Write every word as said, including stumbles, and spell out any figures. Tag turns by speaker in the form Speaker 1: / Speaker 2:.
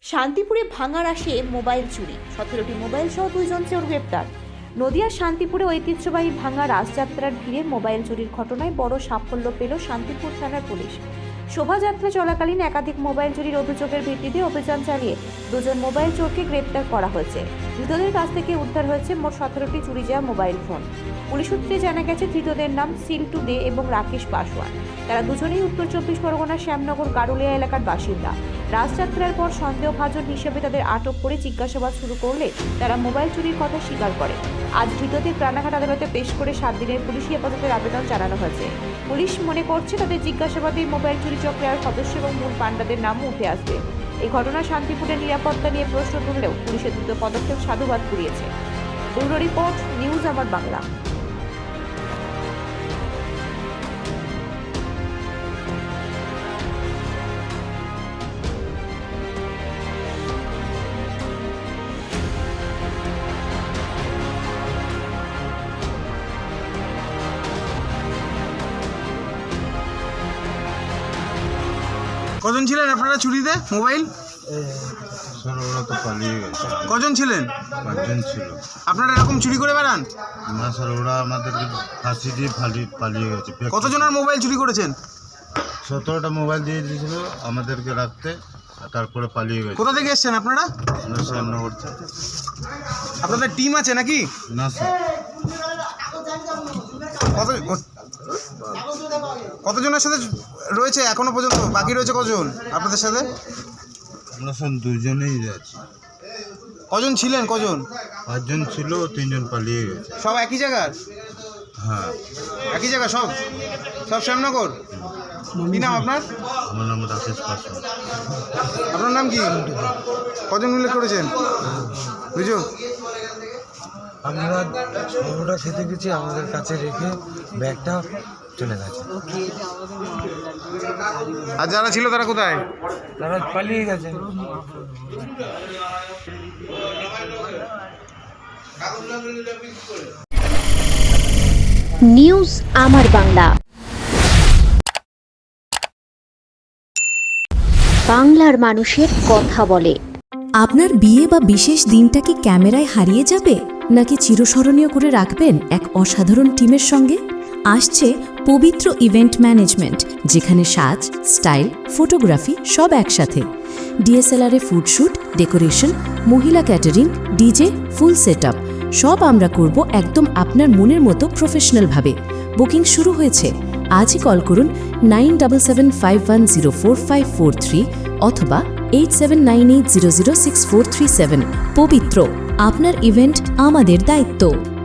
Speaker 1: শান্তিপুরে ভাঙার আসে মোবাইল চুরি, সতেরোটি মোবাইল সহ দুইজন চোর গ্রেপ্তার। নদিয়ার শান্তিপুরে ঐতিহ্যবাহী ভাঙা রাসযাত্রার ভিড়ে মোবাইল চুরির ঘটনায় বড় সাফল্য পেল শান্তিপুর থানার পুলিশ। শোভাযাত্রা চলাকালীন একাধিক মোবাইল চুরির অভিযোগের ভিত্তিতে অভিযান চালিয়ে দুজন মোবাইল চোরকে গ্রেপ্তার করা হয়েছে। ধৃতদের কাছ থেকে উদ্ধার হয়েছে মোট সতেরোটি চুরি যাওয়া মোবাইল ফোন। পুলিশ সূত্রে জানা গেছে ধৃতদের নাম সিল্টু দে এবং রাকেশ পাসওয়ান। তারা দুজনেই উত্তর চব্বিশ পরগনার শ্যামনগর গারুলিয়া এলাকার বাসিন্দা। রাসযাত্রার পর সন্দেহভাজন হিসেবে তাদের আটক করে জিজ্ঞাসাবাদ শুরু করলে তারা মোবাইল চুরির কথা স্বীকার করে। আজ ধৃতদের রানাঘাট আদালতে পেশ করে সাত দিনের পুলিশি হেফাজতের আবেদন জানানো হয়েছে। পুলিশ মনে করছে তাদের জিজ্ঞাসাবাদে মোবাইল চুরি চক্রের সদস্য এবং মূল পাণ্ডাদের নামও উঠে আসবে। এই ঘটনা শান্তিপুরের নিরাপত্তা নিয়ে প্রশ্ন তুললেও পুলিশের দ্রুত পদক্ষেপ সাধুবাদ কুড়িয়েছে। ব্যুরো রিপোর্ট, নিউজ আমার বাংলা।
Speaker 2: কজন ছিলেন আপনারা চুরিতে মোবাইল?
Speaker 3: স্যার ওরা তো পালিয়ে গেছে।
Speaker 2: কজন ছিলেন?
Speaker 3: পাঁচজন ছিল।
Speaker 2: আপনারা এরকম চুরি করে বেড়ান?
Speaker 3: না স্যার, ওরা আমাদেরকে ফাঁসি দিয়ে ফালি পালিয়ে গেছে।
Speaker 2: কতজনের মোবাইল চুরি করেছেন?
Speaker 3: সতেরোটা মোবাইল দিয়ে দিয়েছিল আমাদেরকে রাখতে, তারপরে পালিয়ে গেছে।
Speaker 2: কোথা থেকে এসছেন আপনারা?
Speaker 3: আমরা শ্যামনগর থেকে।
Speaker 2: আপনাদের টিম আছে নাকি?
Speaker 3: না স্যার।
Speaker 2: কত কতজনের সাথে রয়েছে এখনো পর্যন্ত? বাকি রয়েছে কজন আপনাদের সাথে?
Speaker 3: আমরা স্যার দুজনেই যাচ্ছি।
Speaker 2: কজন ছিলেন? কজন?
Speaker 3: পাঁচজন ছিল, তিনজন পালিয়ে গেছে।
Speaker 2: সব একই জায়গার?
Speaker 3: হ্যাঁ,
Speaker 2: একই জায়গা সব? সব শ্যামনগর? কি নাম আপনার?
Speaker 3: আমার নাম রাকেশ পাসওয়ান।
Speaker 2: আপনার নাম কি? কজন মিলে করেছেন? বুঝো
Speaker 4: আমরা সর্বটা খেতে গেছি, আমাদের কাছে রেখে ব্যাগটা চলে গেছে।
Speaker 2: আর যারা ছিল তারা কোথায়?
Speaker 4: তারা পালিয়ে গেছে।
Speaker 5: নিউজ আমার বাংলা, বাংলার মানুষের কথা বলে।
Speaker 6: আপনার বিয়ে বা বিশেষ দিনটা কি ক্যামেরায় হারিয়ে যাবে, নাকি চিরস্মরণীয় করে রাখবেন এক অসাধারণ টিমের সঙ্গে? আসছে পবিত্র ইভেন্ট ম্যানেজমেন্ট, যেখানে সাজ, স্টাইল, ফটোগ্রাফি সব একসাথে। ডিএসএলআরে ফুডশ্যুট, ডেকোরেশন, মহিলা ক্যাটারিং, ডিজে, ফুল সেটআপ সব আমরা করব একদম আপনার মনের মতো প্রফেশনালভাবে। বুকিং শুরু হয়েছে। আজই কল করুন nine seven seven five one zero four five four three অথবা eight seven nine eight zero zero six four three seven. Pabitra, আপনার ইভেন্ট আমাদের দায়িত্ব।